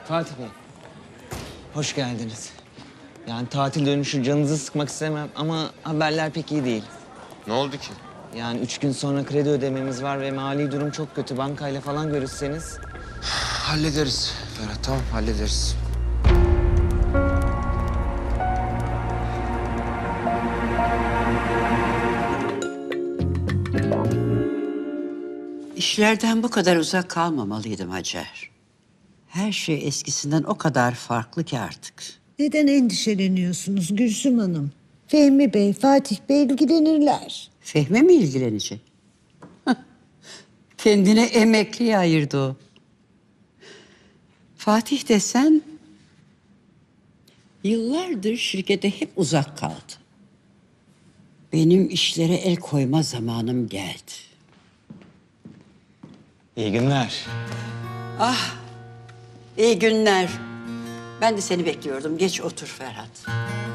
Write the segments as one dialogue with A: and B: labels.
A: Fatih Bey, hoş geldiniz. Yani tatil dönüşü canınızı sıkmak istemem ama haberler pek iyi değil.
B: Ne oldu ki?
A: Yani 3 gün sonra kredi ödememiz var ve mali durum çok kötü. Bankayla falan görüşseniz.
B: Hallederiz Ferhat, tamam hallederiz.
C: İşlerden bu kadar uzak kalmamalıydım Hacer. Her şey eskisinden o kadar farklı ki artık.
D: Neden endişeleniyorsunuz Gülsüm Hanım? Fehmi Bey, Fatih Bey ilgilenirler.
C: Fehmi mi ilgilenecek? Kendine emekliye ayırdı o. Fatih desen yıllardır şirkete hep uzak kaldı. Benim işlere el koyma zamanım geldi.
A: İyi günler.
C: İyi günler. Ben de seni bekliyordum. Geç otur Ferhat.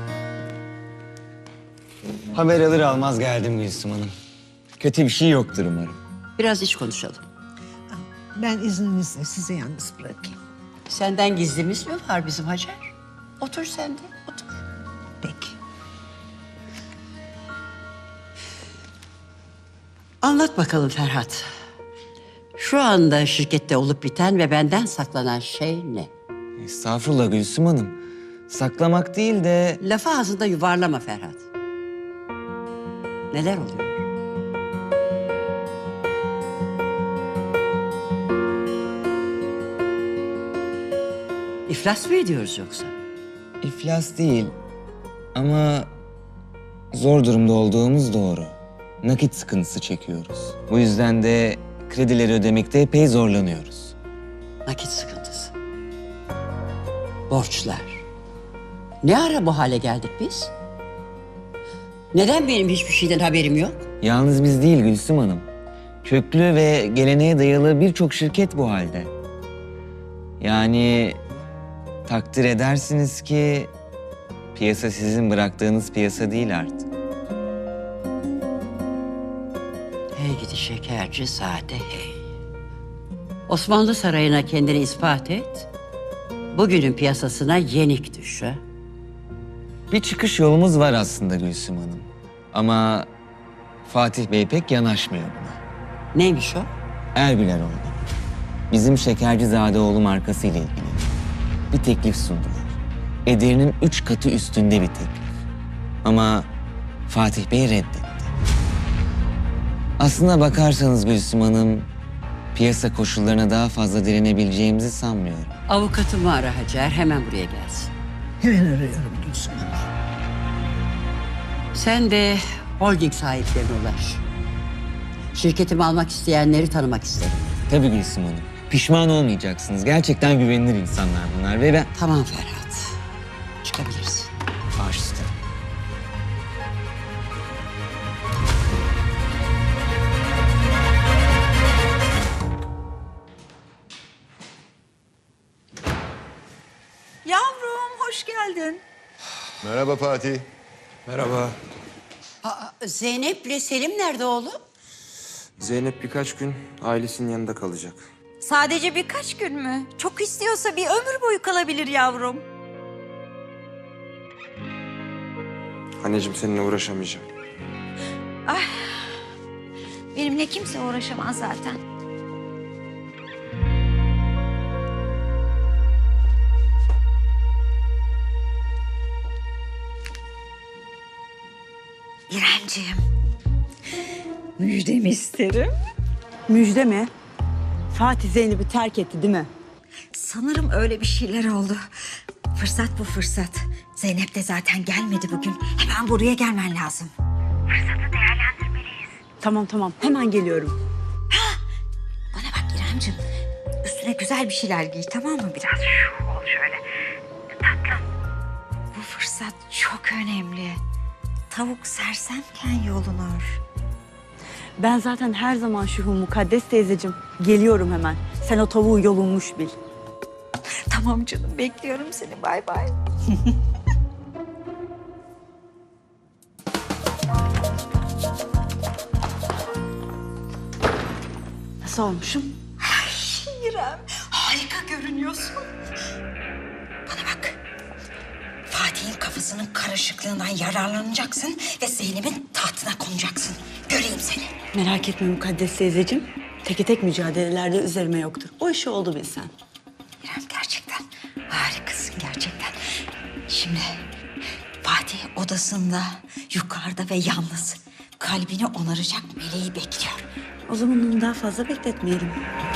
A: Haber alır almaz geldim Gülsüm Hanım. Kötü bir şey yoktur umarım.
C: Biraz iç konuşalım.
D: Ben izninizle sizi yalnız bırakayım.
C: Senden gizlimiz mi var bizim Hacer? Otur sen de, otur.
D: Peki.
C: Anlat bakalım Ferhat. Şu anda şirkette olup biten ve benden saklanan şey ne?
A: Estağfurullah Gülsüm Hanım. Saklamak değil de
C: Lafı ağzında yuvarlama Ferhat. Neler oluyor? İflas mı ediyoruz yoksa?
A: iflas değil. Ama zor durumda olduğumuz doğru. Nakit sıkıntısı çekiyoruz. Bu yüzden de kredileri ödemekte epey zorlanıyoruz.
C: Nakit sıkıntısı. Borçlar. Ne ara bu hale geldik biz? Neden benim hiçbir şeyden haberim yok?
A: Yalnız biz değil Gülsüm Hanım. Köklü ve geleneğe dayalı birçok şirket bu halde. Yani takdir edersiniz ki piyasa sizin bıraktığınız piyasa değil artık.
C: Hey gidi şekerci sade hey. Osmanlı Sarayı'na kendini ispat et. Bugünün piyasasına yenik düş ha.
A: Bir çıkış yolumuz var aslında Gülsüm Hanım. Ama Fatih Bey pek yanaşmıyor buna.
C: Neymiş o?
A: Ergüler oldu. Bizim Şekercizadeoğlu markası ile ilgili bir teklif sundular. Ederinin 3 katı üstünde bir teklif. Ama Fatih Bey reddetti. Aslına bakarsanız Gülsüm Hanım, piyasa koşullarına daha fazla direnebileceğimizi sanmıyorum.
C: Avukatımı ara Hacer, hemen buraya gelsin.
D: Hemen arıyorum Gülsüm Hanım.
C: Sen de holding sahiplerine ulaş. Şirketimi almak isteyenleri tanımak isterim.
A: Tabii Gülsüm Hanım. Pişman olmayacaksınız. Gerçekten güvenilir insanlar bunlar ve ben...
C: Tamam Ferhat, çıkabilirsin.
A: Baş üstüne.
E: Yavrum hoş geldin.
B: Merhaba Fatih.
F: Merhaba.
C: Zeynep'le Selim nerede oğlum?
F: Zeynep birkaç gün ailesinin yanında kalacak.
E: Sadece birkaç gün mü? Çok istiyorsa bir ömür boyu kalabilir yavrum.
F: Anneciğim seninle uğraşamayacağım.
E: Benimle kimse uğraşamaz zaten. İremciğim. Müjdemi isterim.
G: Müjde mi? Fatih Zeynep'i terk etti değil mi?
E: Sanırım öyle bir şeyler oldu. Fırsat bu fırsat. Zeynep de zaten gelmedi bugün. Hemen buraya gelmen lazım.
G: Tamam hemen geliyorum.
E: Bana bak İremciğim. Üstüne güzel bir şeyler giy, tamam mı? Biraz şu ol şöyle. Tatlım. Bu fırsat çok önemli. Tavuk sersemken yolunur.
G: Ben zaten her zaman şu mukaddes teyzeciğim. Geliyorum hemen. Sen o tavuğu yolunmuş bil.
E: Tamam canım, bekliyorum seni. Bay bay.
G: Nasıl olmuşum?
E: İrem, harika görünüyorsun. Bana bak. Fatih'in kafasının karışıklığından yararlanacaksın ve Zeynep'in tahtına konacaksın. Göreyim seni.
G: Merak etme Mukaddes teyzeciğim. Teke tek mücadelelerde üzerime yoktur. O işi oldu bilsen.
E: İrem gerçekten harikasın gerçekten. Şimdi Fatih odasında, yukarıda ve yalnız. Kalbini onaracak meleği bekliyor.
G: O zaman onu daha fazla bekletmeyelim.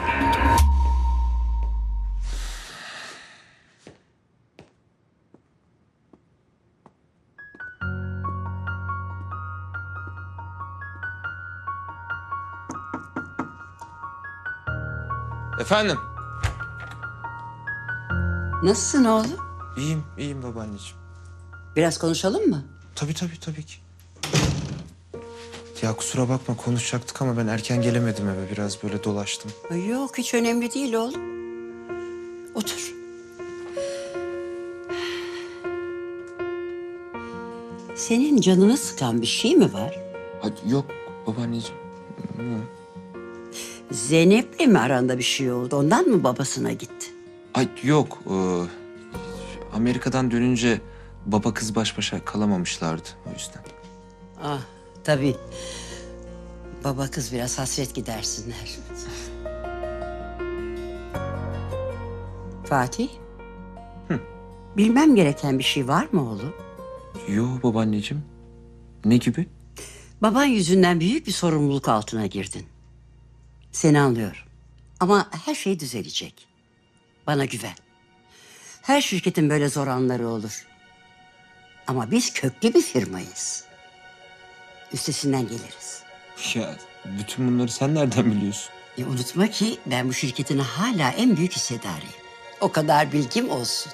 F: Efendim?
C: Nasılsın oğlum?
F: İyiyim babaanneciğim.
C: Biraz konuşalım mı?
F: Tabii ki. Ya kusura bakma konuşacaktık ama ben erken gelemedim eve. Biraz böyle dolaştım.
C: Yok, hiç önemli değil oğlum. Otur. Senin canını sıkan bir şey mi var?
F: Hadi yok babaanneciğim.
C: Zeynep'le mi aranda bir şey oldu? Ondan mı babasına gitti?
F: Ay yok. Amerika'dan dönünce baba kız baş başa kalamamışlardı o yüzden.
C: Ah, tabii. Baba kız biraz hasret gidersinler. Fatih? Bilmem gereken bir şey var mı oğlum?
F: Yo babaanneciğim. Ne gibi?
C: Baban yüzünden büyük bir sorumluluk altına girdin. Seni anlıyorum. Ama her şey düzelecek. Bana güven. Her şirketin böyle zor anları olur. Ama biz köklü bir firmayız. Üstesinden geliriz.
F: Ya bütün bunları sen nereden biliyorsun?
C: Unutma ki ben bu şirketin hala en büyük hissedarıyım. O kadar bilgim olsun.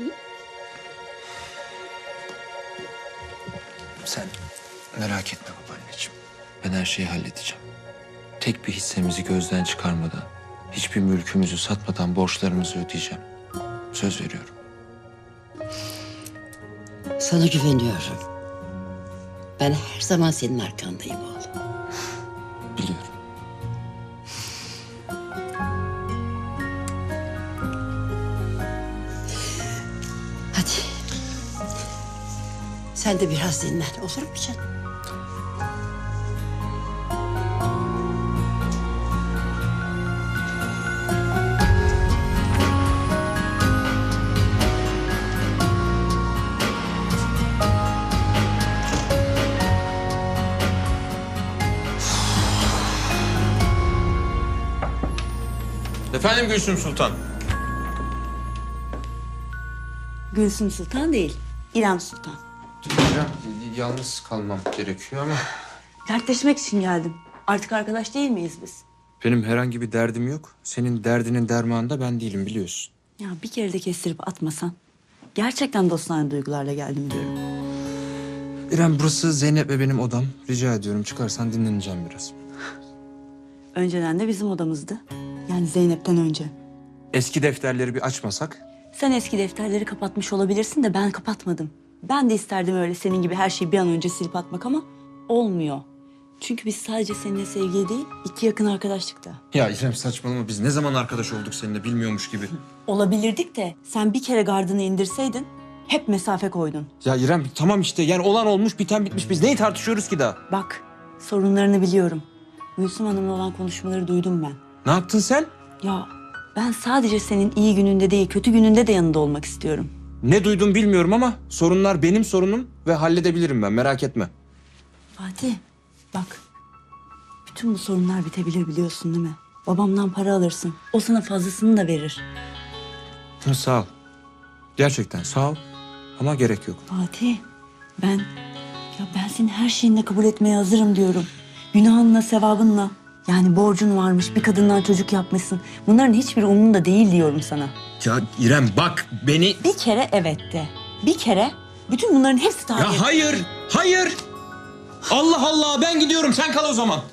F: Sen merak etme babaanneciğim. Ben her şeyi halledeceğim. Tek bir hissemizi gözden çıkarmadan, hiçbir mülkümüzü satmadan borçlarımızı ödeyeceğim. Söz veriyorum.
C: Sana güveniyorum. Ben her zaman senin arkandayım oğlum.
F: Biliyorum.
C: Hadi. Sen de biraz dinlen, olur mu canım?
F: Efendim Gülsüm Sultan.
G: Gülsüm Sultan değil, İrem Sultan.
F: Yalnız kalmam gerekiyor ama...
G: Dertleşmek için geldim. Artık arkadaş değil miyiz biz?
F: Benim herhangi bir derdim yok. Senin derdinin dermanı da ben değilim biliyorsun.
G: Ya bir kere de kestirip atmasan. Gerçekten dostane duygularla geldim diyorum.
F: İrem burası Zeynep ve benim odam. Rica ediyorum çıkarsan dinleneceğim biraz.
G: Önceden de bizim odamızdı. Yani Zeynep'ten önce.
F: Eski defterleri bir açmasak?
G: Sen eski defterleri kapatmış olabilirsin de ben kapatmadım. Ben de isterdim öyle senin gibi her şeyi bir an önce silip atmak ama olmuyor. Çünkü biz sadece seninle sevgili değil, iki yakın arkadaşlık da.
F: Ya İrem saçmalama biz ne zaman arkadaş olduk seninle bilmiyormuş gibi.
G: Olabilirdik de sen bir kere gardını indirseydin hep mesafe koydun.
F: Ya İrem tamam işte yani olan olmuş biten bitmiş biz neyi tartışıyoruz ki daha?
G: Bak sorunlarını biliyorum. Gülsüm Hanım'la olan konuşmaları duydum ben.
F: Ne yaptın sen?
G: Ya ben sadece senin iyi gününde değil kötü gününde de yanında olmak istiyorum.
F: Ne duydum bilmiyorum ama sorunlar benim sorunum ve halledebilirim ben merak etme.
G: Fatih bak bütün bu sorunlar bitebilir biliyorsun değil mi? Babamdan para alırsın. O sana fazlasını da verir.
F: Sağ ol. Gerçekten sağ ol ama gerek yok.
G: Fatih ben senin her şeyinle kabul etmeye hazırım diyorum. Günahınla sevabınla. Yani borcun varmış bir kadından çocuk yapmışsın. Bunların hiçbiri umurumda değil diyorum sana.
F: Ya İrem bak beni...
G: Bir kere evet de. Bir kere bütün bunların hepsi tarih.
F: Ya hayır, hayır. Allah Allah ben gidiyorum sen kal o zaman.